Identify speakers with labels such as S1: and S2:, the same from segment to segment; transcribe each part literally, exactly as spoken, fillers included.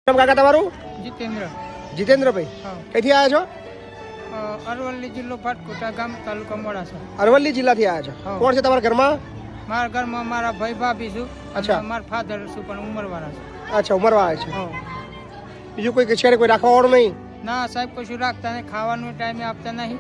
S1: નામ કાકા તમારું?
S2: જીતેન્દ્ર.
S1: જીતેન્દ્રભાઈ, ક્યાંથી આવ્યા છો?
S2: અરવલ્લી જિલ્લો પાટકોટા ગામ, તાલુકા મોડાસા.
S1: અરવલ્લી જિલ્લાથી આવ્યા છો. કોણ છે તમારા ઘરમાં?
S2: મારા ઘરમાં મારા ભાઈ ભાભી છું.
S1: અચ્છા.
S2: મારા ફાધર છું પણ ઉંમરવાળા છે.
S1: અચ્છા, ઉંમરવાળા છે. બીજું કોઈ છે કોઈ રાખવા વાળું નહીં?
S2: ના સાહેબ, કશું રાખતા નહીં, ખાવાનું ટાઈમે આપતા નહીં,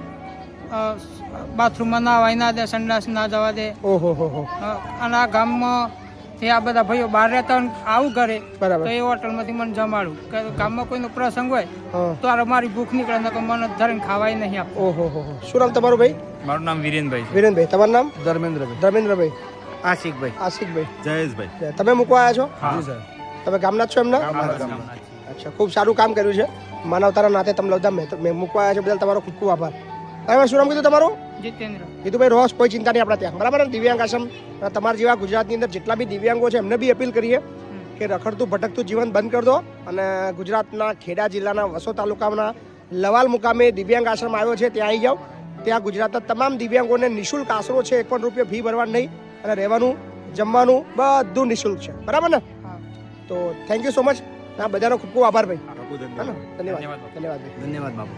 S2: બાથરૂમમાં નાવાય ના દે, સંડાસ ના જવા દે.
S1: ઓહો હો હો.
S2: અને આ ગામમાં આ બધા ભાઈઓ બહાર રહેતા આવું કરે
S1: બરાબર.
S2: તો એ હોટલમાંથી મને જમાડું. ગામમાં કોઈનો પ્રસંગ હોય
S1: હા.
S2: તો આ મારી ભૂખ નીકળે ને મને ધરીને ખાવાય નહીં આપે.
S1: ઓહો હો હો. શું નામ તમારું ભાઈ?
S3: મારું નામ વિરેનભાઈ છે.
S1: વિરેનભાઈ, તમારું નામ?
S3: ધર્મેન્દ્રભાઈ.
S1: ધર્મેન્દ્રભાઈ.
S3: આશિકભાઈ.
S1: આશિકભાઈ.
S3: જયેશભાઈ.
S1: તમે મૂકવા આવ્યા છો?
S3: હા સર.
S1: તમે ગામના જ છો એમના? અચ્છા, ખૂબ સારું કામ કર્યું છે. માનવતાના નાતે તમે બધા મેં મૂકવા આવ્યા છો બદલ તમારો ખૂબ ખૂબ આભાર. હવે શું નામ કીધું તમારું?
S2: જીતેન્દ્ર.
S1: કીધું રોજ કોઈ ચિંતા નહીં આપણા ત્યાં, બરાબર ને? દિવ્યાંગ આશ્રમ તમારા જેવા ગુજરાતની અંદર જેટલા બી દિવ્યાંગો છે એમને બી અપીલ કરીએ કે રખડતું ભટકતું જીવન બંધ કરી દો અને ગુજરાતના ખેડા જિલ્લાના વસો તાલુકાના લવાલ મુકામે દિવ્યાંગ આશ્રમ આવ્યો છે ત્યાં આવી જાઓ. ત્યાં ગુજરાતના તમામ દિવ્યાંગોને નિઃશુલ્ક આશરો છે, એક પણ રૂપિયા ફી ભરવાનું નહીં અને રહેવાનું જમવાનું બધું નિઃશુલ્ક છે, બરાબર ને? તો થેન્ક યુ સો મચ. આ બધાનો ખૂબ ખૂબ આભાર ભાઈ. ધન્યવાદ ધન્યવાદ
S3: ધન્યવાદ બાબુ.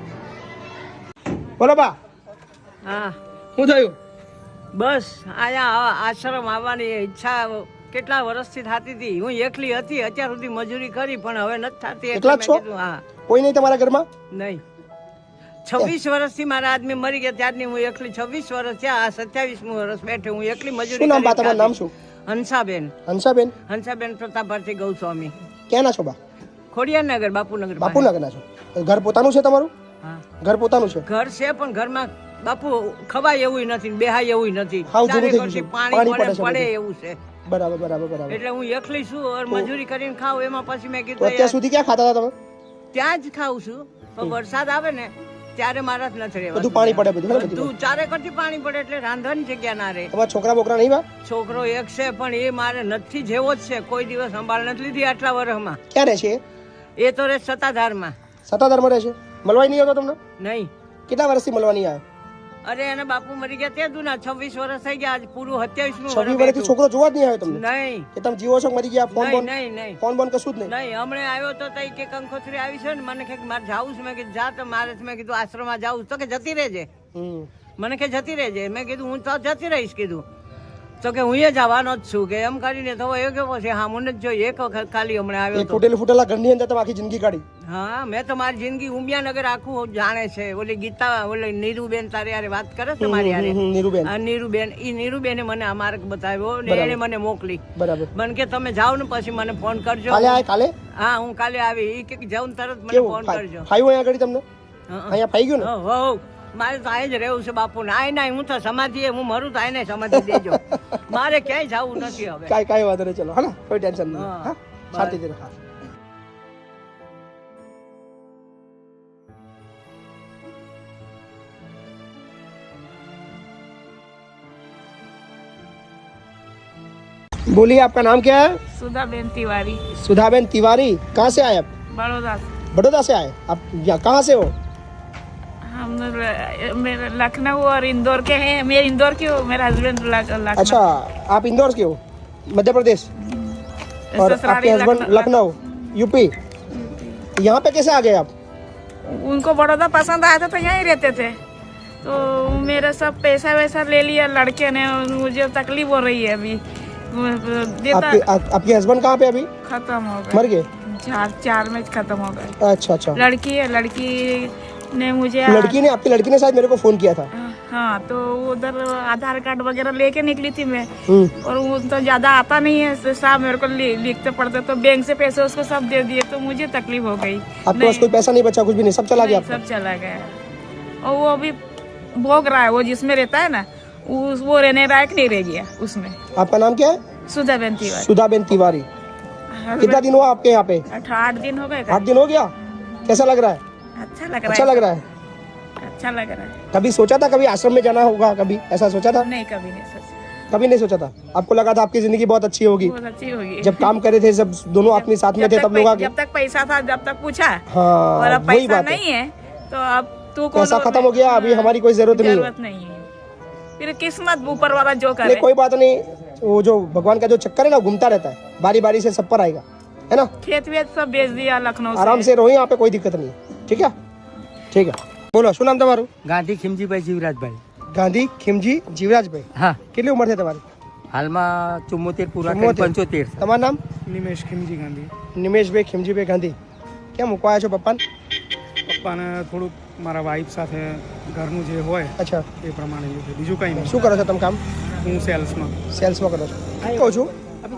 S1: બોલો બા.
S4: હા,
S1: શું થયું?
S4: બસ અહીંયા આશ્રમ આવવાની ઈચ્છા કેટલા વર્ષથી થતી હતી. હું એકલી હતી, અત્યાર સુધી મજૂરી કરી પણ હવે નથી થતી.
S1: એકલા જ છો?
S4: હા.
S1: કોઈ નહીં તમારા ઘરમાં?
S4: નહીં, છવ્વીસ વર્ષથી મારા આદમી મરી ગયા ત્યારની હું એકલી. છવ્વીસ વર્ષ થયા, સત્યાવીસમું વર્ષ બેઠે હું એકલી મજૂરી.
S1: શું નામ બા તમારું? નામ શું?
S4: હંસાબેન.
S1: હંસાબેન.
S4: હંસાબેન પ્રતાપભાઈ ગૌસ્વામી.
S1: ક્યાંના છો બા?
S4: ખોડિયારનગર, બાપુનગર.
S1: બાપુનગરના છો? ઘર પોતાનું છે તમારું?
S4: હા,
S1: ઘર પોતાનું છે.
S4: ઘર છે પણ ઘરમાં બાપુ ખવાય એવું નથી, બેહાય એવું નથી.
S1: હાવ જૂનું થઈ
S4: ચારે
S1: ગયું છે.
S4: પાણી
S1: પાણી
S4: પડે
S1: પડે છે
S4: પડે
S1: બધું.
S4: એવું છે.
S1: બરાબર બરાબર બરાબર.
S4: એટલે હું એકલી છું ઓર મજૂરી કરીને ખાઉં. એમાં પછી મેં
S1: તો
S4: કીધું
S1: અત્યાર સુધી ક્યાં ખાતા હતા તમે?
S4: ત્યાં જ ખાઉં છું પણ વરસાદ આવે ને ત્યારે મારા જ નથી રહેવાતું.
S1: બધું પાણી પડે બધું ને બધું.
S4: બધું ચારે કરતી પાણી પડે એટલે રાંધવાની જગ્યા ના રહે.
S1: તમારા છોકરા બોકરા નહીં બા?
S4: છોકરો એક છે પણ એ મારે નથી જેવો જ છે. કોઈ દિવસ સંભાળ નથી લીધી આટલા વર્ષમાં.
S1: ક્યાં રહે છે?
S4: એ તો રે સત્તાધારમાં.
S1: સત્તાધારમાં રહે છે? મળવાય નહીં આવતો તમને?
S4: નહીં.
S1: કેટલા વર્ષથી મળવા નહીં આવ્યો?
S4: અરે એને બાપુ મરી ગયા તે દુના છવ્વીસ વર્ષ થઈ ગયા. આજ પૂરું સત્યાવીસમું
S1: છવ્વીસ વર્ષથી છોકરો જોવા જ નહીં આવ્યો તમને?
S4: નહીં
S1: કે તમે જીવો છો મરી ગયા? ફોન
S4: નહીં
S1: બોન
S4: નહીં નહીં
S1: ફોન બોન કશું જ નહીં?
S4: નહીં. હમણાં આવ્યો તો તઈ કે કંકોત્રી આવી છે ને મને કે મારે જાવું છે. મેં કીધું જા. તો મારે મેં કીધું આશ્રમમાં જાવું તો કે જતી રહેજે.
S1: હમ.
S4: મને કે જતી રહેજે. મેં કીધું હું તો જતી રહીશ કીધું. તો કે હું એ જવાનો જ છું કે એમ કરીને તો એ કેવો છે. હા, મને જ જોઈ એક વખત ખાલી હમણાં આવ્યો
S1: એક
S4: તો.
S1: ફૂટેલું ફૂટેલા ઘરની અંદર તમે આખી જિંદગી કાઢી?
S4: હા, મેં તો મારી જિંદગી ઉમિયાનગર આખું જાણે છે. ઓલી ગીતા ઓલી નીરુબેન તારે યારે વાત કરે છે મારી યારે.
S1: હમ, નીરુબેન.
S4: આ નીરુબેન ઈ નીરુબેને મને આ માર્ગ બતાવ્યો ને એને મને મોકલી.
S1: બરાબર.
S4: મને કે તમે જાઓ ને પછી મને ફોન કરજો.
S1: કાલે આય કાલે?
S4: હા, હું કાલે આવી. ઈ કે જાઉં ને તરત મને
S1: કેવું
S4: ફોન કરજો.
S1: ફાયું અહીંયા આગળ તમને?
S4: હા,
S1: અહીંયા ફાઈ ગયું ને?
S4: હો હો. મારે તો આય જ રહેવું છે બાપુ ને. આય ના હું તો સમાધિ હું મરું તો આય ને સમાધિ દેજો. મારે ક્યાંય જવું નથી હવે.
S1: કાંઈ કાંઈ વાંધો નહીં. ચલો હા ને, કોઈ ટેન્શન નહીં.
S4: હા.
S1: હા, શાંતિથી હા. बोलिए, आपका नाम क्या है?
S5: सुधाबेन तिवारी,
S1: सुधाबेन तिवारी. कहाँ से आए आप?
S5: बड़ौदा से।
S1: बड़ौदा से आए आप? या कहाँ से हो?
S5: हम र- मेरे लखनऊ और इंदौर के हैं। मेरे इंदौर के हो, मेरा हस्बैंड लखनऊ।
S1: अच्छा, आप इंदौर के हो, मध्य प्रदेश, और
S5: ससुराली
S1: आपके हस्बैंड लखनऊ, यूपी. यहाँ पे कैसे आ गए आप?
S5: उनको बड़ौदा पसंद आया था तो यहीं रहते थे। तो मेरा सब पैसा वैसा ले लिया लड़के ने। मुझे तकलीफ हो रही है अभी। देता
S1: आपके आ, आपके हस्बैंड कहाँ पे अभी?
S5: खत्म हो
S1: मर
S5: गए।
S1: गए?
S5: चार चार में खत्म हो गए।
S1: अच्छा अच्छा.
S5: लड़की है, लड़की ने मुझे
S1: लड़की ने आपकी लड़की ने शायद मेरे को फोन किया था.
S5: हाँ, तो उधर आधार कार्ड वगैरह लेके निकली थी मैं।
S1: हम्म.
S5: और वो तो ज्यादा आता नहीं है तो साहब मेरे को लि, लिखते पढ़ते तो बैंक से पैसे उसको सब दे दिए तो मुझे तकलीफ हो गई।
S1: आपके पास कोई पैसा नहीं बचा? कुछ भी नहीं, सब चला गया आपका?
S5: सब चला गया। और वो अभी भोग रहा है। वो जिसमें रहता है ना वो वो रहने लायक नहीं रह गया उसमें।
S1: आपका नाम क्या है?
S5: सुधाबेन तिवारी।
S1: सुधाबेन तिवारी. कितना दिन हुआ आपके यहाँ पे?
S5: आठ दिन हो गए।
S1: आठ दिन हो गया. कैसा लग रहा है?
S5: अच्छा लग रहा
S1: अच्छा
S5: है।
S1: लग रहा है.
S5: अच्छा लग रहा है।
S1: कभी सोचा था कभी आश्रम में जाना होगा? कभी ऐसा सोचा था?
S5: नहीं, कभी नहीं सोचा।
S1: कभी नहीं सोचा था. आपको लगा था आपकी जिंदगी बहुत अच्छी होगी
S5: बहुत अच्छी होगी।
S1: जब काम करे थे, सब दोनों आदमी साथ में थे, तब लोग आगे.
S5: जब तक पैसा था जब तक पूछा।
S1: हाँ,
S5: और अब
S1: वही
S5: पैसा
S1: बात है.
S5: नहीं है तो अब तू को
S1: पैसा खत्म हो गया, अभी हमारी कोई जरूरत नहीं है.
S5: जरूरत नहीं है। फिर किस्मत ऊपर वाला जो करे।
S1: नहीं, कोई बात नहीं. वो जो भगवान का जो चक्कर है ना घूमता रहता है, बारी बारी से सब पर आएगा. है ना?
S5: खेत वेत सब बेच दिया लखनऊ
S1: आराम
S5: से
S1: से रहो यहाँ पे, कोई दिक्कत नहीं है. ठीक है ठीक है. બોલો શું નામ તમારું?
S3: ગાંધી ખીમજીભાઈ જીવરાજભાઈ.
S1: ગાંધી ખીમજી જીવરાજભાઈ.
S3: હા,
S1: કેટલી ઉંમર છે તમારી?
S3: હાલમાં ચુમ્મોતેર પૂરા કરી
S1: ચુમ્મોતેર.
S3: પંચોતેર.
S1: તમારું નામ?
S2: નિમેશ ખીમજી ગાંધી.
S1: નિમેશભાઈ ખીમજીભાઈ ગાંધી. ક્યાં મૂકવા આવ્યા છો પપ્પાને?
S2: પપ્પાને થોડુંક મારા વાઈફ સાથે ઘરનું જે હોય
S1: અચ્છા,
S2: એ પ્રમાણે લીધું છે. બીજું કંઈ નહીં.
S1: શું કરો છો તમે કામ?
S2: હું સેલ્સમાં.
S1: સેલ્સમાં કરો છો? કહું છું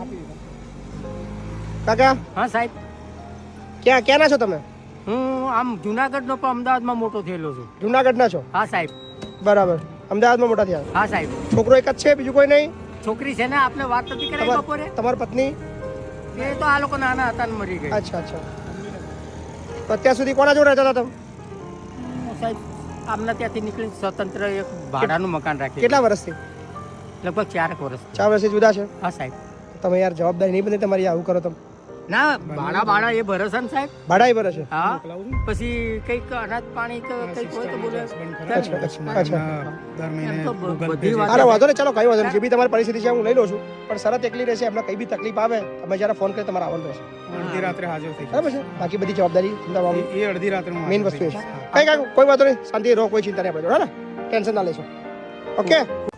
S1: કાકા,
S3: હા સાહેબ,
S1: ક્યાં ક્યાંના છો તમે?
S3: હું આમ જુનાગઢનો પણ અમદાવાદમાં મોટો થયેલો છું.
S1: જુનાગઢના છો?
S3: હા સાહેબ.
S1: બરાબર. અમદાવાદમાં મોટા થયા?
S3: હા સાહેબ.
S1: છોકરો એક જ છે, બીજું કોઈ નહીં?
S3: છોકરી છે ને, આપને વાત નથી કરાવી
S1: તમાર-
S3: બપોરે?
S1: તમારી પત્ની?
S3: એ તો આ લોકો નાના હતા ને મરી ગઈ.
S1: અચ્છા અચ્છા. તો અત્યાર સુધી કોના જોડે રહેતા હતા તમે?
S3: હું સાહેબ આમના ત્યાંથી નીકળી સ્વતંત્ર એક ભાડાનું મકાન રાખી.
S1: કેટલા વર્ષથી?
S3: લગભગ ચાર વર્ષ.
S1: ચાર વર્ષથી જુદા છે?
S3: હા સાહેબ.
S1: તમે યાર જવાબદારી નહીં બની તમારી, આવું કરો તમે.
S3: ના, ભાડા ભાડા એ ભરોસા ને સાહેબ.
S1: ભાડા ભરે છે?
S3: હા, પછી કઈક અનાજ પાણી કે કઈક હોય તો બોલે.
S1: અચ્છા અચ્છા અચ્છા.
S2: દર મહિને
S3: એમ તો
S2: Google Pay
S3: બધી
S2: છે.
S3: વાત-
S1: અરે વાંધો નહીં, ચાલો કઈ વાંધો નહીં. જે બી તમારી પરિસ્થિતિ છે હું લઈ લઉં છું, પણ શરત એકલી રહેશે, એમને કઈ બી તકલીફ આવે તમે જયારે ફોન કરી તમારે આવવાનું રહેશે,
S2: અડધી રાત્રે હાજર થઈ
S1: બરાબર છે? બાકી બધી જવાબદારી
S2: જાય. એ અડધી રાત્રે હું
S1: મેઇન
S2: હાજર
S1: વસ્તુ
S2: થઈ
S1: એ છે.
S2: જઈશ.
S1: કઈ કઈ કોઈ વાંધો નહીં, શાંતિ રહો, કોઈ ચિંતા નહીં આપણે જોડે, ને ટેન્શન ના લેશો. ઓકે.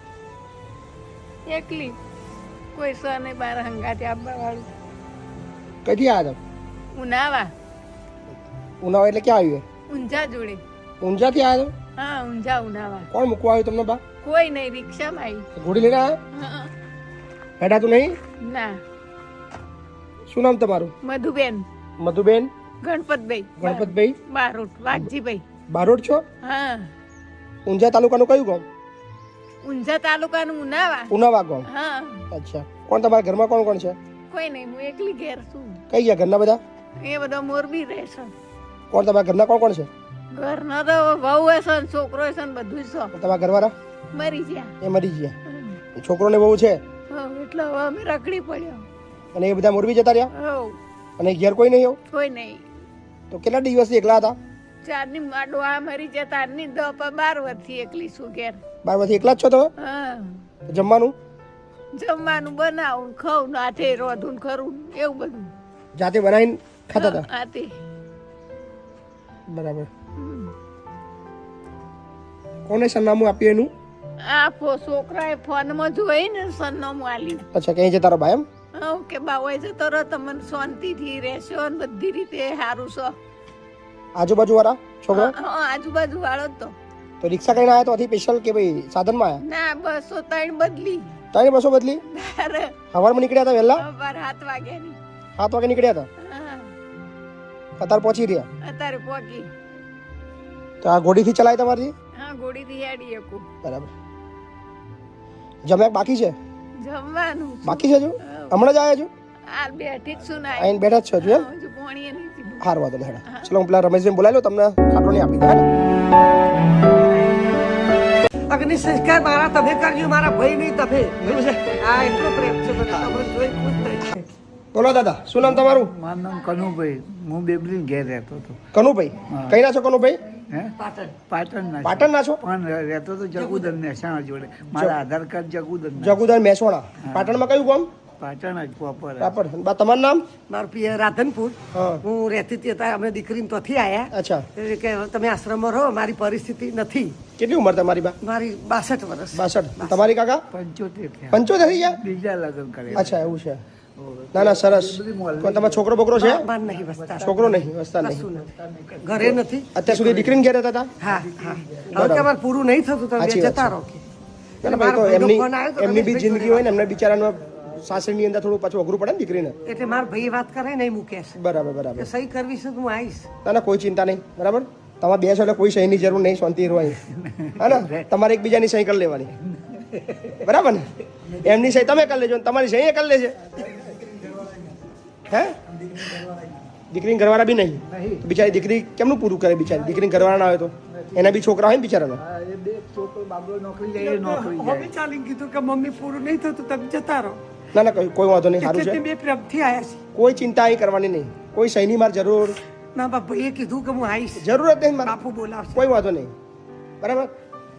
S5: એકલી કોઈ સ નહીં બાર હંગાતે આપવા વાળું.
S1: કઈથી આવ્યા તમે?
S5: ઉનાવા
S1: ઉનાવા એટલે ક્યાં આવ્યું?
S5: ઊંઝા જોડે.
S1: ઊંઝાથી આવ્યા તમે?
S5: હા ઊંઝા ઉનાવા.
S1: કોણ મૂકવા આવ્યું તમને બા?
S5: કોઈ નહીં, રિક્ષામાં આવી.
S1: ઘોડી લઈને આવ્યા?
S5: હા,
S1: હેડાતું નહીં?
S5: ના.
S1: શું નામ તમારું?
S5: મધુબેન
S1: મધુબેન
S5: ગણપતભાઈ
S1: ગણપતભાઈ
S5: બારોટ વાઘજીભાઈ.
S1: બારોટ છો?
S5: હા,
S1: ઊંઝા તાલુકાનું કયું ગામ?
S5: ઊંઝા તાલુકાનું ઉનાવા.
S1: ઉનાવા ગામ.
S5: હા,
S1: અચ્છા. કોણ તમારા ઘરમાં કોણ કોણ છે?
S5: કોઈ નહીં, હું એકલી ઘેર છું.
S1: કઈ ગયા ઘરના બધા?
S5: એ બધા મોરબી રહેશે.
S1: કોણ તમારા ઘરના કોણ કોણ છે?
S5: ઘરના તો વહુ હશે ને છોકરો હશે ને બધું છે.
S1: તમારા ઘરવાળા
S5: મરી ગયા.
S1: એ મરી ગયા? છોકરો ને બહુ છે
S5: હવ, એટલે હવે અમે રખડી પડ્યો.
S1: અને એ બધા મોરબી જતા રહ્યા?
S5: હવ,
S1: અને ઘેર કોઈ નહીં આવ્યું?
S5: કોઈ નહીં.
S1: તો કેટલા દિવસથી એકલા હતા?
S5: ચારની માડો આ મરી જાય તારની દસ બાર વર્ષથી એકલી છું ઘેર.
S1: બાર વર્ષથી એકલા જ છો તમે?
S5: હા,
S1: જમવાનું
S5: જમવાનું બનાવું, ખાવું, નાથે રોધું ને ખરું એવું બધું
S1: જાતે બનાવીને ખાતા હતા?
S5: આતે.
S1: બરાબર. કોને સરનામું આપ્યું એનું?
S5: આ ફો- છોકરાએ ફોનમાં જોઈ ને સરનામું આલ્યું.
S1: અચ્છા, ક્યાં છે તારો ભાઈ? એમ
S5: હવ કે બાવાઈ જતો રહો, તમને શાંતિથી રહેશો ને બધી રીતે સારું છો.
S1: આજુબાજુ વાળા છોકરા?
S5: હા, આજુબાજુ વાળો જ તો.
S1: તો રિક્ષા કરીને આવ્યા તો આથી સ્પેશિયલ કે ભાઈ સાધનમાં આવ્યા?
S5: ના, બસો ત્રણ બદલી.
S1: તારી બસો બદલી?
S5: તારે
S1: સવારમાં નીકળ્યા હતા વહેલા?
S5: બાર સાત વાગ્યાની.
S1: સાત વાગે નીકળ્યા હતા?
S5: હા,
S1: અત્યારે પહોંચી રહ્યા?
S5: અત્યારે પોકી.
S1: તો આ ઘોડીથી ચલાય તમારી?
S5: હા, ઘોડીથી હેડી શકું.
S1: બરાબર. જમ્યા બાકી છે?
S5: જમવાનું
S1: બાકી છે? હજુ હમણાં જ આવ્યા છો?
S5: આ બેઠી જ છું ને
S1: આઈને બેઠા જ છો હજુ? એમ
S5: હજુ પોણીએ નહીં પીધું.
S1: હાર વાંધો નહીં. હેડા ચલો, હું પેલા રમેશભાઈ બોલાવી લો, તમને ખાટલો નહીં આપી દે.
S6: અગ્નિ સંસ્કાર મારા તમે કરજો, મારા ભાઈ નહીં તમે. આ એટલો પ્રેમ છે મને, તમને જોઈ ખુશ થઈ છે.
S1: બોલો દાદા, શું નામ તમારું?
S7: મારું નામ કનુભાઈ, હું બેબલીન ઘેર રહેતો હતો.
S1: કનુભાઈ. કઈ ના છો કનુભાઈ?
S7: હે પાટણના છું.
S1: પાટણ ના છો?
S7: પણ રહેતો તો જગુદર મહેસાણા જોડે. મારા આધાર કાર્ડ જગુદર
S1: જગુદાન મહેસાણા. પાટણમાં કયું ગામ?
S7: પાટણ જ પ્રોપર.
S1: રાપર. બા તમારું નામ?
S6: મારું પિયર રાધનપુર.
S1: હા.
S6: હું રહેતી હતી ત્યારે અમે દીકરીને ત્યાંથી આવ્યા.
S1: અચ્છા.
S6: એટલે કે તમે આશ્રમમાં રહો, મારી પરિસ્થિતિ નથી.
S1: કેટલી ઉંમર તમારી બા?
S6: મારી બાસઠ વર્ષ.
S1: બાસઠ. તમારી કાકા?
S7: પંચોતેર થયા.
S1: પંચોતેર થઈ ગયા?
S7: બીજા લગ્ન કરે.
S1: અચ્છા, એવું છે. ના ના, સરસ. કોઈ તમારો છોકરો બોકરો છે?
S6: માર નહીં વસતા.
S1: છોકરો નહીં, વસતા નહીં.
S6: કશું નથી. ઘરે નથી.
S1: અત્યાર સુધી દીકરીને ઘેર રહેતા હતા?
S6: હા હા. હવે કે અમારે પૂરું નહીં થતું, તમે
S1: સાચી વાત
S6: જતા
S1: છે.
S6: રહો કે.
S1: ના ના, ભાઈ, તો
S6: મારા ભાઈનો
S1: એમની
S6: ફોન આવ્યો તો
S1: એમની બી
S6: રમેશભાઈ
S1: જિંદગી હોય ને, એમને બિચારાનો સાસરીની અંદર થોડું પાછું અઘરું પડે ને દીકરીને.
S6: એટલે મારા ભાઈ વાત કરે નહીં મૂકે છે
S1: બરાબર બરાબર.
S6: કે સહી કરવી છે તો હું આવીશ.
S1: ના ના, કોઈ ચિંતા નહીં. બરાબર. તમારે બે છો એટલે કોઈ સહીની જરૂર નહીં, શાંતિ રહો અહીં. હા ને, તમારે એકબીજાની સહી કરી લેવાની. બરાબર ને? એમની સહી તમે કરી લેજો, તમારી સહી એ કરી લેશે. હે? દીકરીને ઘરવાળા બી નહીં? બિચારી દીકરી કેમનું પૂરું કરે? બિચારી દીકરીને ઘરવાળા ના હોય તો એના બી છોકરા હોય ને બિચારાના.
S7: હા, એ બે છોકરો બાબલો નોકરી જાય, એ નોકરી
S6: હવે
S7: જાય.
S6: ચાલીને કીધું કે મમ્મી પૂરું નહીં થતું, તમે જતા રહો.
S1: ના ના, કોઈ કોઈ વાંધો નહીં, સારું
S6: એટલે
S1: છે.
S6: તે બે પ્રેમથી આવ્યા છે.
S1: કોઈ ચિંતા અહીં કરવાની નહીં. કોઈ સહીની માર જરૂર
S6: ના બાપ ભાઈએ કીધું કે હું આવીશ.
S1: જરૂરત નહીં મારે.
S6: બાપુ બોલાવશે.
S1: કોઈ વાંધો નહીં. બરાબર.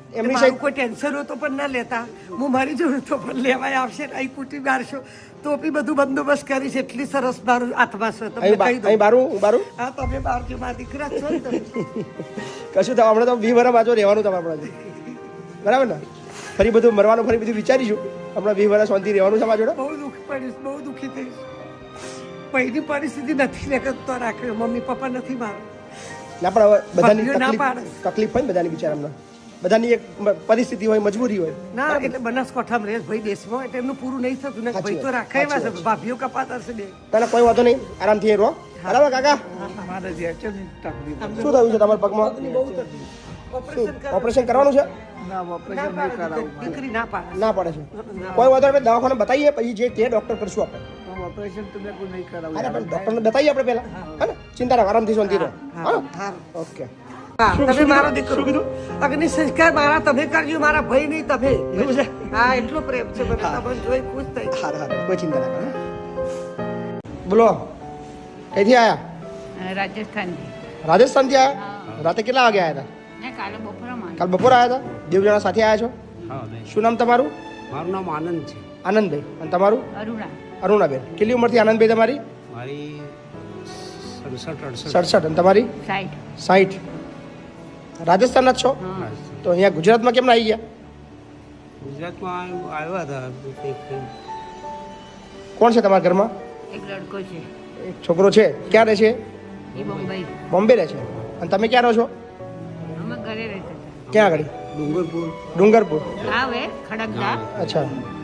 S1: એમની
S6: મારું
S1: સાઈડ
S6: કોઈ ટેન્શન હોય તો પણ ના લેતા, હું મારી જોડે તો પણ લેવાય આવશે ને અહીં કુટી મારશો તો બી બધું બંદોબસ્ત કરીશ. એટલી સરસ મારું હાથમાં છે તમને
S1: અહીં બા-
S6: કહી
S1: અહીં
S6: દઉં.
S1: બારું હું બારું
S6: હા તમે બાર જો મારા દીકરા છો ને તમે.
S1: કશું થવા હમણાં તો વી વરા બાજુ રહેવાનું તમારે આપણે બરાબર ને? ફરી બધું મરવાનું ફરી બધું વિચારીશું. હમણાં વી વરા શાંતિ રહેવાનું છે મારા જોડે.
S6: બહુ દુઃખ પડીશ, બહુ દુઃખી થઈશ. પહેલી પરિસ્થિતિ નથી ને તો રાખે મમ્મી પપ્પા નથી મારા.
S1: ના પણ હવે બધાની
S6: ભાગ્યો ના
S1: તકલીફ
S6: પાડે.
S1: તકલીફ હોય ને બધાની બિચારામાં, બધાની એક મ- પરિસ્થિતિ હોય, મજબૂરી હોય.
S6: ના એટલે બનાસકાંઠામાં રહે ભાઈ દેશમાં એટલે એમનું પૂરું નહીં થતું ને
S1: સાચી
S6: ભાઈ તો
S1: વાત,
S6: રાખે એવા
S1: સાચી
S6: છે
S1: વાત.
S6: ભાભીઓ કપાતા છે બે.
S1: તને કોઈ વાંધો નહીં, આરામથી અહીં રહો. બરાબર કાકા?
S7: મારે જે અચાનક તકલીફ
S1: શું થયું છે તમારા પગમાં?
S6: ઓપરેશન
S1: શું ઓપરેશન કરવાનું છે?
S7: ના
S6: ના
S7: ઓપરેશન નહીં
S6: પાડે
S7: કરાવવું
S6: દીકરી ના પાડે.
S1: ના પડે છે. કોઈ વાંધો નહીં, આપણે દવાખાને બતાવીએ પછી જે તે ડોક્ટર કરશું આપણે.
S7: મારે ઓપરેશન તો મેં કોઈ નહીં કરાવવું
S1: અરે પણ ડોક્ટરને બતાવીએ આપણે પહેલા, હા ને? ચિંતા રાખો, આરામથી શાંતિ રહો. હા
S6: હા.
S1: ઓકે.
S6: હા, તમે મારો દીકરો અગ્નિ સંસ્કાર મારા તમે કરજો, મારા ભાઈ નહીં તમે.
S1: એવું છે?
S6: હા એટલો પ્રેમ છે મને તમને જોઈ ખુશ થઈ.
S1: હારું હારું, કોઈ ચિંતા ના કરો. બોલો, કઈથી આયા?
S8: રાજસ્થાનથી.
S1: રાજસ્થાનથી આયા? રાતે કેટલા વાગે આયા હતા?
S8: ને કાલે બપોરમાં
S1: કાલ બપોરે આયા હતા? દેવ જણા સાથે આયા છો? શું નામ તમારું?
S9: મારું નામ આનંદ છે.
S1: આનંદભાઈ. અને તમારું?
S8: અરુણા
S1: અરુણાબેન. કેટલી ઉંમરથી આનંદભાઈ તમારી?
S9: મારી સડસઠ અડસઠ
S1: સડસઠ. અને તમારી?
S8: સાઈઠ.
S1: સાઠ. રાજસ્થાનના જ છો?
S8: હા.
S1: તો અહીંયા ગુજરાતમાં કેમ ના આવી ગયા?
S9: ગુજરાતમાં આવ્યા હતા કંઈક.
S1: કોણ છે તમારા ઘરમાં?
S8: એક લડકો છે
S1: એક છોકરો છે. ક્યાં રહે છે?
S8: એ બોમ્બઈ.
S1: બોમ્બે રહે છે. અને તમે ક્યાં રહો છો?
S8: અમે ઘરે રહેતા હતા.
S1: ક્યાં આગળ?
S9: ડુંગરપુર.
S1: ડુંગરપુર.
S8: આવે ખડકદા.
S1: અચ્છા.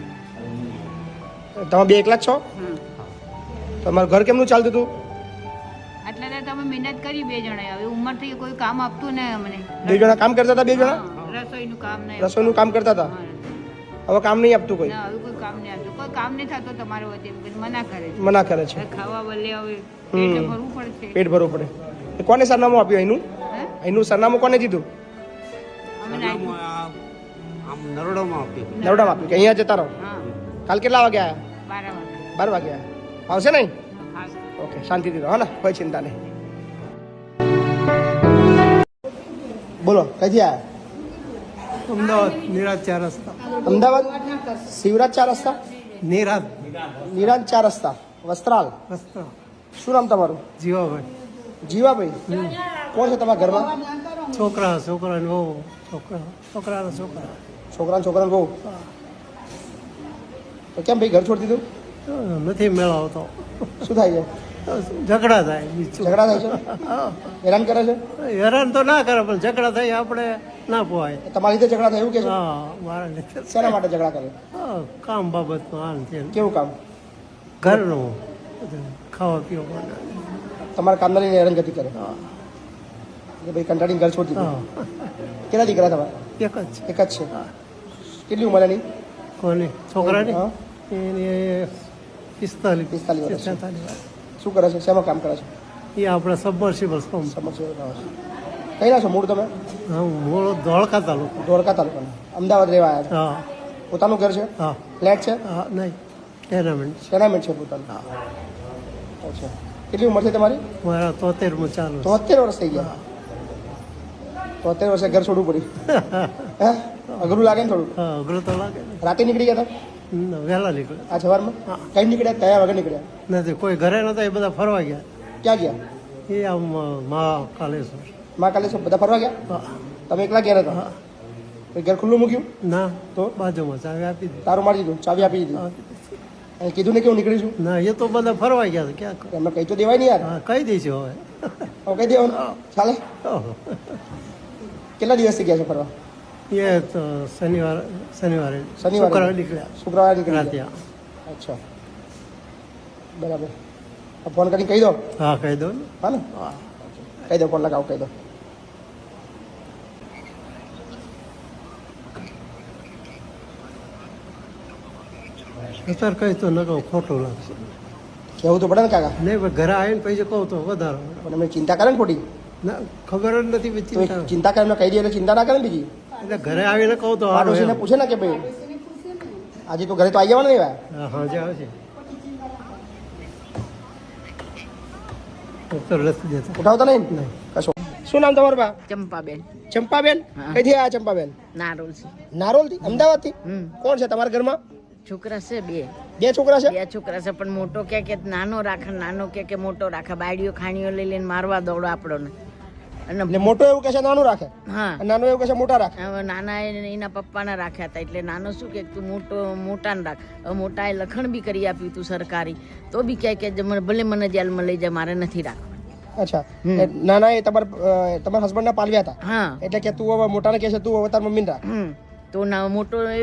S1: તમે બે એકલા જ છો?
S8: હમ.
S1: તમારું ઘર કેમનું ચાલતું હતું?
S8: આટલા દાડા તમે મહેનત કરી બે જણાએ. હવે ઉંમર થઈ કોઈ કામ આપતું ને અમને.
S1: બે જણા કામ કરતા હતા? બે જણા
S8: હા, રસોઈનું કામ નહીં.
S1: રસોઈનું કામ કરતા હતા?
S8: હા.
S1: હવે કામ નહીં આપતું કોઈ?
S8: ના હવે કોઈ કામ નહીં આપતું. કોઈ કામ નહીં થતો તમારો વચ્ચે પછી મના કરે છે.
S1: મના કરે છે.
S8: હવે ખાવા બદલે હવે
S1: હમ.
S8: પેટ ભરવું પડશે.
S1: પેટ ભરવું પડે. એ કોને સરનામું આપ્યું અહીંનું?
S8: હે?
S1: અહીંનું સરનામું કોને દીધું?
S8: અમે
S9: સરનામું
S8: નાખ્યું.
S9: આ આમ નરોડામાં આપ્યું.
S1: નરોડામાં આપ્યું કે અહીંયા જતા રહો?
S8: હા
S1: કાલ કેટલા વાગે આવ્યા?
S8: બાર વાગે.
S1: બાર વાગે આવ્યા. આવશે નહીં?
S8: હા.
S1: ઓકે, શાંતિથી રહો. હા ને, કોઈ ચિંતા નહીં. બોલો, કઈથી આવ્યા?
S2: અમદાવાદ નિરાજ ચાર રસ્તા.
S1: અમદાવાદ શિવરાજ ચાર રસ્તા?
S2: નિરાજ
S1: નિરાજ ચાર રસ્તા, વસ્ત્રાલ.
S2: રસ્તા.
S1: શું નામ તમારું?
S2: જીવાભાઈ.
S1: જીવાભાઈ. કોણ છે તમારા ઘરમાં?
S2: છોકરા છોકરા ને બહુ છોકરા છોકરા છોકરા
S1: છોકરા ને છોકરા બહુ. તો કેમ ભાઈ ઘર છોડી દીધું?
S2: નથી મેળવતો.
S1: શું થાય છે?
S2: ઝઘડા થાય બીજું.
S1: ઝઘડા થાય છે? હેરાન કરે છે?
S2: હેરાન તો ના કરે પણ ઝઘડા થાય આપણે ના પોવાય.
S1: તમારી રીતે ઝઘડા થાય એવું કે છે?
S2: હા મારા લીધે.
S1: શેના માટે ઝઘડા કરે?
S2: હા, કામ બાબતમાં આમ છે
S1: કેવું કામ?
S2: ઘરનું બધું ખાવા પીવા.
S1: તમારા કામના લઈને હેરાનગતિ કરે
S2: હા
S1: કે ભાઈ કંટાળીને ઘર છોડી દીધું?
S2: હા
S1: કેટલા દીકરા તમારા?
S2: એક જ છે.
S1: એક જ છે. કેટલી ઉંમર એની?
S2: કોની છોકરાની?
S1: હા.
S2: એની પિસ્તાલીસ
S1: પિસ્તાલીસ વર્ષ.
S2: છેતાલીસ.
S1: શું કરે છે? શેમાં કામ કરે છે?
S2: એ આપણે સબમર્સિબલ પંપ.
S1: સમસ્યા આવે છે. કઈ ના છો મૂળ તમે?
S2: હા મૂળ ધોળકા તાલુકો.
S1: ધોળકા તાલુકાના. અમદાવાદ રહેવા આવ્યા છો?
S2: હા
S1: પોતાનું ઘર છે?
S2: હા
S1: ફ્લેટ છે?
S2: હા નહીં ટેનામેન્ટ.
S1: ટેનામેન્ટ છે પોતાનું? અચ્છા. કેટલી ઉંમર છે તમારી?
S2: મારા તોતેરમાં ચાલુ છે.
S1: તોતેર વર્ષ થઈ ગયા. તોતેર વર્ષે ઘર છોડવું પડ્યું. હે? અઘરું લાગે ને થોડું?
S2: હા અઘરું તો લાગે ને.
S1: રાતે નીકળી ગયા હતા?
S2: ના, વહેલા નીકળે.
S1: આ સવારમાં? કઈ નીકળ્યા? કયા વાગે નીકળ્યા?
S2: નથી કોઈ ઘરે નતા એ બધા ફરવા ગયા.
S1: ક્યાં ગયા?
S2: એ આમ મા કાલેશ્વર.
S1: મા કાલે શું બધા ફરવા ગયા?
S2: હા
S1: તમે એકલા ગયા હતા?
S2: હા.
S1: કોઈ ઘર ખુલ્લું મૂક્યું?
S2: ના
S1: તો?
S2: બાજુમાં ચાવી આપી દીધી.
S1: તારું મારી દીધું, ચાવી આપી દીધી.
S2: આપી દીધી.
S1: અને કીધું ને કે હું નીકળી છું?
S2: ના એ તો બધા ફરવા ગયા છે ક્યાં
S1: એમને કહી તો દેવાય નહીં યાર.
S2: હા કહી દઈશું હવે.
S1: હવે કહી દેવાનું ચાલે?
S2: ઓહો.
S1: કેટલા દિવસથી ગયા છે ફરવા?
S2: એ તો શનિવાર શનિવારે
S1: શનિવારે?
S2: શુક્રવારે નીકળ્યા
S1: શુક્રવારે નીકળી
S2: રાતે.
S1: ગયા. અચ્છા, બરાબર. આ ફોન કરીને કહી દો.
S2: હા કહી દો ને.
S1: હા ને?
S2: હા
S1: કહી દો, ફોન લગાવો, કહી દો.
S2: અત્યારે કહી તો ન કહું ખોટું લાગશે.
S1: કહેવું તો પડે ને કાકા.
S2: નહીં પણ ઘરે આવીને પછી કહું તો વધારે.
S1: પણ એમને ચિંતા કરે ને ખોટી?
S2: ના ખબર જ નથી પછી
S1: તો એ
S2: ચિંતા.
S1: ચિંતા કરે એમને કહી દે એટલે ચિંતા ના કરે ને બીજી.
S2: એટલે ઘરે આવીને કહું તો સારું
S1: પાડોશીને
S2: એમ.
S1: પૂછે ને કે ભાઈ આજે તો ઘરે તો આવી જવાનું નહીં ભાઈ.
S2: હા હાજે આવશે. તો લખી દેતા.
S1: ઉઠાવતા નહીં ને?
S2: નહીં.
S1: કશો શું નામ તમારું બા?
S3: ચંપાબેન
S1: ચંપાબેન. કઈથી આયા ચંપાબેન?
S3: નારોલ છે.
S1: નારોલથી, અમદાવાદથી.
S3: હમ
S1: કોણ છે તમારા ઘરમાં?
S3: છોકરા છે બે
S1: બે છોકરા છે.
S3: બે છોકરા છે પણ મોટો કે કે નાનો રાખે, નાનો કે કે મોટો રાખે, બાયડીઓ ખાણીઓ લઈ લઈને મારવા દોડો આપણને. અને
S1: એટલે મોટો એવું કહે છે નાનું રાખે,
S3: હા
S1: અને નાનો એવું કહે છે મોટા રાખે.
S3: હવે નાના એ એના પપ્પાને રાખ્યા હતા એટલે નાનો શું કે તું મોટો મોટાને રાખ. હવે મોટાએ લખણ બી કરી આપ્યું તું સરકારી, તો બી કહે કે મને ભલે મને જેલમાં લઈ જાય, મારે નથી રાખવા.
S1: અચ્છા, નાના એ તમારા તમારા હસબન્ડ ના પાલવ્યા હતા,
S3: હા
S1: એટલે કે તું હવે મોટાને કહે છે તું હવે તાર મમ્મીને રાખ.
S3: હમ તો ના મોટો એ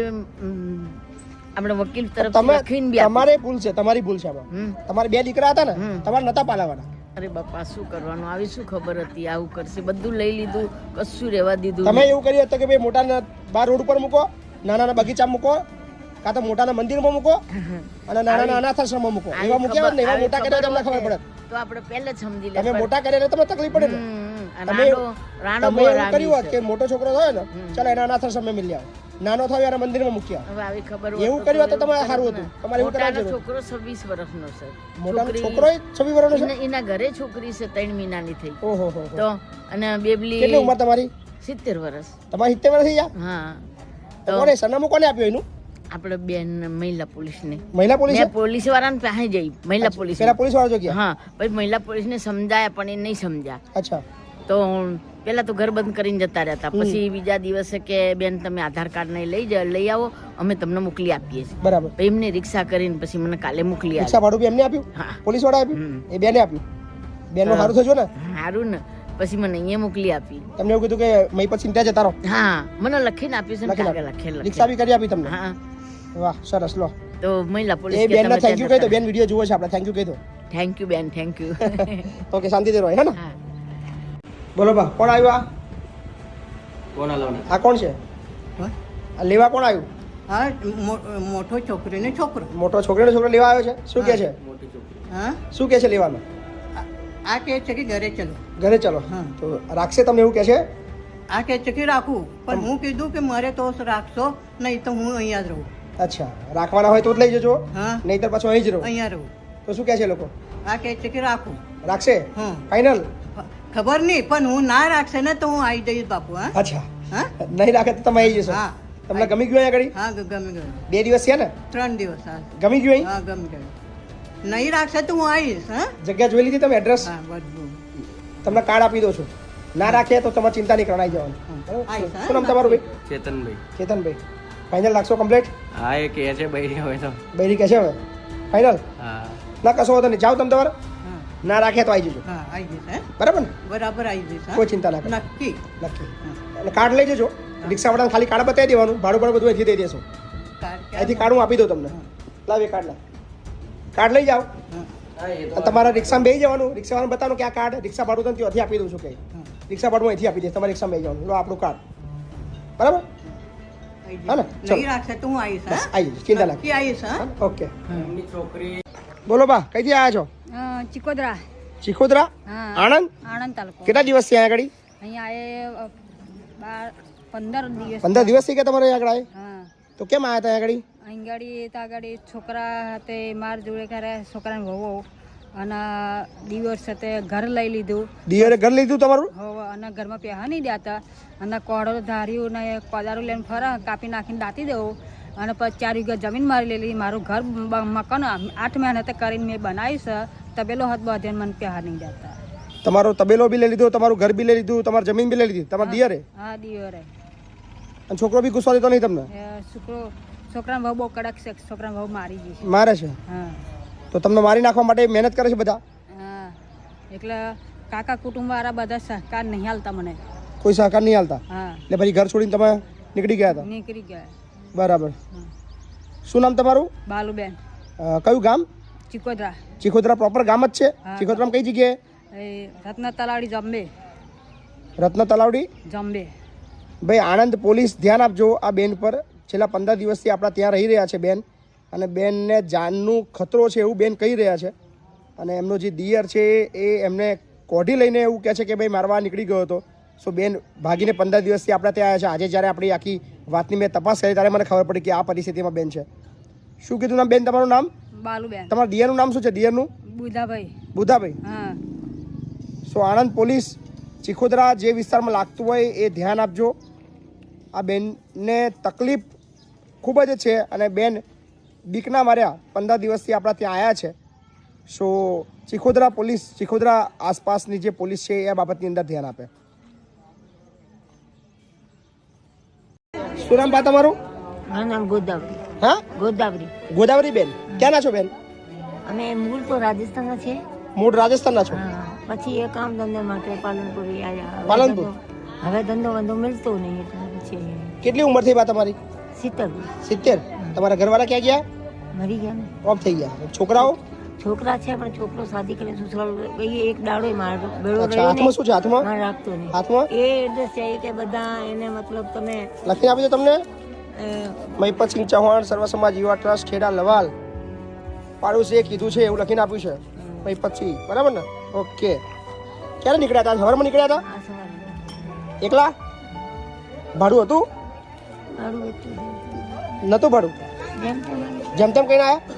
S3: આપણે વકીલ તરફ
S1: તમે
S3: લખીને બી આપ્યું.
S1: તમારે ભૂલ છે, તમારી ભૂલ છે આમાં.
S3: હમ
S1: તમારે બે દીકરા હતા ને,
S3: હમ.
S1: તમારે નતા પાલાવાના.
S3: અરે બાપા શું કરવાનું, આવી શું ખબર હતી આવું કરશે, બધું લઈ લીધું, કશું રહેવા દીધું
S1: તમે
S3: નહીં.
S1: એવું કર્યું હતું કે ભાઈ મોટાને બાર રોડ ઉપર મૂકો, નાનાના બગીચામાં મૂકો, કાં તો મોટાના મંદિરમાં મૂકો અને નાનાના અનાથાશ્રમમાં મૂકો.
S3: આવી
S1: એવા મૂક્યા હોત ને, એવા
S3: આવી
S1: મોટા કર્યા તમને ખબર
S3: ખબર
S1: પડે.
S3: તો આપણે પહેલે જ સમજી
S1: તમે
S3: લે.
S1: મોટા કર્યા એટલે તમને તકલીફ પડે ને.
S3: હમ,
S1: તમે
S3: રાણો રાણો
S1: તમે
S3: બહુ
S1: એવું
S3: રાગી
S1: કર્યું હોત
S3: છે.
S1: કે મોટો છોકરો થયો ને, ચાલો એના અનાથાશ્રમે મિલી આવો, નાનો થયો એના મંદિરમાં મૂક્યા.
S3: હવે આવી ખબર
S1: એવું
S3: હોત
S1: કર્યું હોત તો
S3: એવું
S1: તમારે
S3: કરત
S1: સારું
S3: ને.
S1: હતું. તમારે એવું
S3: મોટાનો
S1: કરવાની જરૂર.
S3: છોકરો છવ્વીસ વર્ષનો છે.
S1: મોટાનો
S3: છોકરી-
S1: છોકરો છવ્વીસ વર્ષનો છે.
S3: એના- એના ઘરે છોકરી છે ત્રણ મહિનાની થઈ.
S1: ઓહો હો હો.
S3: તો અને બેબલી
S1: કેટલી ઉંમર તમારી?
S3: સિત્તેર વર્ષ.
S1: તમારી સિત્તેર વર્ષ થઈ ગયા?
S3: હા
S1: તો
S3: તો
S1: કોને સરનામું કોને આપ્યું એનું?
S3: આપણે બેન મહિલા પોલીસને
S1: મહિલા પોલીસ?
S3: મેં પોલીસ વાળાને પાસે જઈ મહિલા પોલીસ
S1: પેલા પોલીસ વાળા જો ગયા?
S3: હા પછી મહિલા પોલીસને સમજાયા પણ એ નહીં સમજ્યા.
S1: અચ્છા.
S3: તો પેલા તો ઘર બંધ કરીને જતા રહેતા, પછી બીજા દિવસે કે બેન તમે આધાર કાર્ડ ને લઈ જાઓ, લઈ આવો, અમે તમને મોકલી આપીએ છીએ.
S1: બરાબર.
S3: પછી એમને રિક્ષા કરીને પછી મને કાલે મોકલી
S1: રિક્ષા
S3: આપી.
S1: ભાડું બી એમને આપ્યું?
S3: હા
S1: પોલીસ વાળા આપ્યું?
S3: હમ.
S1: એ બેને આપ્યું? બેનનું સારું થયું ને?
S3: સારું ને, પછી મને અહીંયા મોકલી આપી.
S1: તમને એવું કીધું કે મય પછી ચિંતા જતા રહો.
S3: હા મને લખીને આપ્યું છે ને,
S1: લખીને
S3: કાગળ લખેલ
S1: રિક્ષા બી કરી આપી તમને?
S3: હા
S1: વાહ સરસ. લો
S3: તો મહિલા
S1: એ
S3: પોલીસ
S1: બેન ને થેન્ક યુ કહી દો. બેન વિડીયો જુઓ છે આપણે, થેન્ક યુ કહી દો.
S3: થેન્ક યુ બેન, થેન્ક યુ.
S1: ઓકે, શાંતિથી રહો હે ને.
S3: હા
S1: બોલો બા, કોણ આવ્યું? આ
S9: કોણ લાવના?
S1: આ કોણ છે?
S6: હા?
S1: આ લેવા કોણ આવ્યું?
S6: હા મો- મોટો છોકરી ને છોકરો.
S1: મોટો છોકરીનો છોકરો લેવા આવ્યો છે. શું કે છે?
S9: મોટી છોકરી.
S6: હા
S1: શું કે છે લેવામાં?
S6: આ- આ કહે છે કે ઘરે ચલો.
S1: ઘરે ચલો.
S6: હા.
S1: તો રાખશે તમને એવું કે છે?
S6: આ કહે છે કે રાખું, પણ હું કીધું કે મારે તો રાખશો નહીં તો હું અહીંયા જ રહું.
S1: અચ્છા, રાખવાના હોય તો જ લઈ જજો,
S6: હા
S1: નહીતર પાછું અહીં જ રહો.
S6: અહીંયા રહું.
S1: તો શું કહે છે લોકો?
S6: આ કહે છે કે રાખું.
S1: રાખશે?
S6: હા
S1: ફાઇનલ?
S6: ખબર નહીં, પણ હું ના રાખશે ને તો હું આવી જઈશ બાપુ. હા
S1: અચ્છા,
S6: હા
S1: નહીં રાખે તો તમે આવી જશો.
S6: હા
S1: તમને ગમી ગયું અહીંયા આગળ?
S6: હા ગ- ગમી ગયું.
S1: બે દિવસ છે ને?
S6: ત્રણ દિવસ. હા
S1: ગમી ગયું અહીં?
S6: હા ગમી ગયું. નહીં રાખશે તો હું આવીશ. હા
S1: જગ્યા જોઈ લીધી તમે? એડ્રેસ
S6: હા બધું.
S1: તમને કાર્ડ આપી દો છું. ના રાખે તો તમારે ચિંતા નહીં કરવાની જવાનું. બરાબર?
S6: આવીશ, હા.
S1: શું નામ તમારું ભાઈ?
S9: ચેતનભાઈ.
S1: ચેતનભાઈ. ફાઇનલ રાખશો કમ્પ્લીટ?
S9: હા એ કહે છે બૈરી હોય તો.
S1: બૈરી કહે છે હવે ફાઇનલ?
S9: હા
S1: ના કશો વાંધો નહીં, જાઓ તમે તમારે.
S6: હા
S1: ના રાખે તો આવી જજો.
S6: હા આવી જઈશ. હે
S1: બરાબર ને?
S6: બરાબર આવી જઈશ. હા?
S1: કોઈ ચિંતા ના કરો.
S6: નક્કી.
S1: નક્કી. અને કાર્ડ લઈ જજો. રિક્ષાવાળાને ખાલી કાર્ડ બતાવી દેવાનું, ભાડું ભાડું બધું અહીંથી દઈ દેશો.
S6: કાર્ડ ક્યાં?
S1: અહીંથી કાર્ડ હું આપી દઉં તમને. લાવ એ કાર્ડ લાવ. કાર્ડ લઈ જાઓ.
S6: હા.
S1: અને તમારા રિક્ષામાં બેસી જવાનું. રિક્ષાવાળાને બતાવવાનું કે આ કાર્ડ રિક્ષા ભાડું તમને ત્યાંથી આપી દઉં છું કે રિક્ષા ભાડું અહીંથી આપી દઈશ. તમારે રિક્ષામાં બેસી જવાનું. લો આપણું કાર્ડ. બરાબર?
S6: આવી જઈશ.
S1: હા ને? ચલો.
S6: નહીં રાખશે તો હું આવીશ.
S1: બસ
S6: હા
S1: આવી જઈશ, ચિંતા ના
S6: નક્કી આવીશ. હા
S1: ઓકે.
S9: એમની છોકરી
S1: બોલો બા, કઈથી આવ્યા છો?
S8: ચિકોદરા,
S1: ચીખોદરા?
S8: હા
S1: આણંદ?
S8: આણંદ તાલુકો.
S1: કેટલા દિવસ થી અહીંયા આગળ?
S8: અહીંયા એ બાર પંદર દિવસ.
S1: પંદર દિવસ થી કે તમારે અહીંયા આગળ?
S8: હા
S1: તો કેમ આવ્યા હતા અહીંયા આગળ?
S8: અહીં ગાડી તો આગળ છોકરા તે માર જોડે કરે, છોકરાને વહુ અને દિવસ સાથે ઘર લઈ લીધું.
S1: દિયરે ઘર લીધું તમારું?
S8: હવે અને ઘરમાં પહેવા નહીં દેતા અને કોડો ધાર્યું ને કોદારું લઈને ફરે, કાપી નાખીને દાટી દેવું અને પછી ચાર વીઘા જમીન મારી લેલી. મારું ઘર બ- મકાન આઠ મહેનતે કરીને મેં બનાવ્યું છે. તબેલો હાથ બધે મને પહેવા નહીં દેતા.
S1: તમારો તબેલો બી લઈ લીધો, તમારું ઘર બી લઈ લીધું, તમારી જમીન બી લઈ લીધી તમારા દિયરે?
S8: હા દિયોરે.
S1: અને છોકરો બી ગુસ્સો દેતો નહીં તમને?
S8: એ છોકરો છોકરાને બહુ બહુ કડક છે. છોકરાને બહુ મારી ગઈ છે.
S1: મારે છે?
S8: હા
S1: તો તમને મારી નાખવા માટે મહેનત કરે છે બધા?
S8: હા એટલે કાકા કુટુંબવાળા બધા સહકાર નહીં હાલતા મને.
S1: કોઈ સહકાર નહીં હાલતા?
S8: હા
S1: એટલે પછી ઘર છોડીને તમે નીકળી ગયા હતા?
S8: નીકળી ગયા.
S1: બરાબર. શું નામ તમારું?
S8: બાલુબેન,
S1: અ, કયું ગામ?
S8: ચિકોદરા.
S1: ચીખોદરા પ્રોપર ગામ જ છે?
S8: હા.
S1: ચીખોદરામાં કઈ જગ્યાએ?
S8: એ રત્ન તલાવડી જંબે.
S1: રત્ન તલાવડી?
S8: જંબે.
S1: ભાઈ આણંદ પોલીસ ધ્યાન આપજો આ બેન પર. છેલ્લા પંદર દિવસથી આપણા ત્યાં રહી રહ્યા છે બેન, અને બેનને જાનનું ખતરો છે એવું બેન કહી રહ્યા છે. અને એમનો જે દિયર છે એ એમને કોઢી લઈને એવું કહે છે કે ભાઈ મારવા નીકળી ગયો હતો. સો બેન ભાગીને પંદર દિવસથી આપણા ત્યાં આવ્યા છે. આજે જ્યારે આપણી આખી વાતની મેં તપાસ કરી ત્યારે મને ખબર પડી કે આ પરિસ્થિતિમાં બેન છે. શું કીધું નામ બેન તમારું? નામ?
S8: બાલુબેન.
S1: તમારા દિયરનું નામ શું છે? દિયરનું?
S8: બુધાભાઈ.
S1: બુધાભાઈ.
S8: હા
S1: સો આણંદ પોલીસ ચીખોદરા જે વિસ્તારમાં લાગતું હોય એ ધ્યાન આપજો. આ બેનને તકલીફ ખૂબ જ છે અને બેન બીકના માર્યા પંદર દિવસથી આપણા ત્યાં આવ્યા છે. સો ચીખોદરા પોલીસ, ચીખોદરા આસપાસની જે પોલીસ છે એ બાબતની અંદર ધ્યાન આપે. શું નામ બા તમારું?
S3: મારું નામ ગોદાવરી.
S1: હા,
S3: ગોદાવરી.
S1: ગોદાવરી બેન, ક્યાંના છો બેન?
S3: અમે મૂળ તો રાજસ્થાનના છે.
S1: મૂળ રાજસ્થાનના છો?
S3: પછી એ કામ ધંધા માટે પાલનપુરી આવ્યા.
S1: પાલનપુર?
S3: હવે ધંધો ધંધો મળતો નહીં એટલે પછી
S1: કેટલી ઉંમર થઈ બા તમારી?
S3: સિત્તેર.
S1: સિત્તેર. તમારા ઘરવાળા ક્યાં ગયા?
S3: મરી ગયા ને.
S1: ઓફ થઈ ગયા. છોકરાઓ?
S3: છોકરા છે પણ છોકરો શાદી કરીને સસુરાલ ગઈ. એક દાડો મારો બેડો
S1: અચ્છા, હાથમાં શું છે? હાથમાં
S3: મારે રાખતો નહીં.
S1: હાથમાં
S3: એ એડ્રેસ છે કે બધા એને મતલબ તમે
S1: લખીને આપી દો તમને. મહિપતસિંહ ચૌહાણ, સર્વ સમાજ યુવા ટ્રસ્ટ, ખેડા લવાલ, પાડોશીએ કીધું છે એવું લખીને આપ્યું છે. મહિપતસિંહ, બરાબર ને? ઓકે. ક્યારે નીકળ્યા હતા? સવારમાં નીકળ્યા હતા?
S3: આ સવારે
S1: એકલા? ભાડું હતું?
S3: મારું એટલું
S1: નતું ભાડું?
S3: જેમ તેમ
S1: જેમ તેમ કહીને આવ્યા?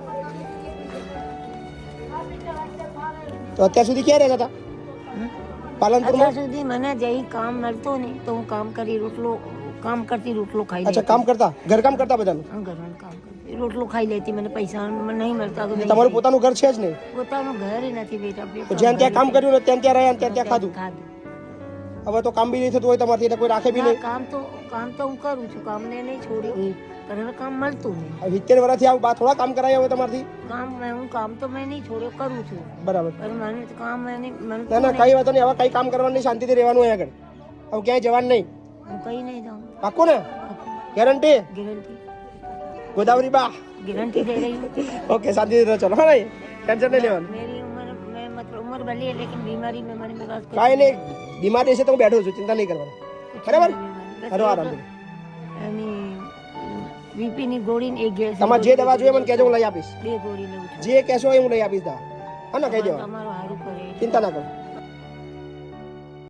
S1: તો અત્યાર સુધી ક્યાં રહેતા હતા? પાલનપુરમાં?
S3: અત્યાર સુધી મને જઈ કામ મળતો નહીં તો હું કામ કરી રોટલો કામ કરતી રોટલો ખાઈ
S1: અચ્છા, કામ કરતા, ઘરકામ કરતા બધાનું?
S3: લેતી. ઘરનું કામ કરતી રોટલો ખાઈ લેતી. મને પૈસા મને નહીં મળતા તો
S1: તમારું પોતાનું ઘર છે જ નહીં?
S3: પોતાનું ઘર નથી બેટા.
S1: તો જ્યાં ત્યાં કામ કર્યું ને ત્યાં ત્યાં રહ્યા, ત્યાં ત્યાં ખાધું.
S3: ખાધું.
S1: હવે તો કામ બી નહીં થતું હોય તમારથી એટલે કોઈ રાખે બી
S3: ના,
S1: નહીં.
S3: કામ તો કામ તો હું કરું છું. કામને નહીં છોડ્યું પણ હવે કામ મળતું નહીં.
S1: સિત્તેર વર્ષથી આવું બા થોડા કામ કરાયા હોય તમારથી?
S3: કામ મેં- હું કામ તો મેં નહીં છોડ્યો, કરું છું
S1: બરાબર.
S3: પણ મને તો કામ મેં નહીં
S1: ના
S3: મળતું
S1: ના,
S3: નહીં.
S1: કઈ વાત નહીં. હવે કઈ કામ કરવાનું નહીં, શાંતિથી રહેવાનું અહીંયા આગળ. હવે ક્યાંય જવાનું નહીં.
S3: હું કઈ નહીં જાઉં.
S1: પાક્કું ને? ગેરંટી?
S3: ગેરંટી
S1: ગોદાવરી બા?
S3: गारंटी दे रही हूँ.
S1: ओके, शांति से चलो. हाँ नहीं, टेंशन नहीं लेવાનું.
S3: मेरी उम्र मैं मतलब उम्र भली है लेकिन बीमारी में मैंने मेरे पास
S1: કાંઈ નહીં, બીમારી છે તો હું બેઠો છું, ચિંતા નહીં કરવાની. બરાબર? હરો આરામ.
S3: બીપી ની ગોળી ને એક ગેસ
S1: તમારે જે દવા જોઈએ મને કહેજો, હું લઈ આપીશ.
S3: બે ગોળી લઉં છું.
S1: જે કહેશો એ હું લઈ આપીશ. દા હા ને, કહી દેવા,
S3: તમારું સારું કરે.
S1: ચિંતા ના કરો.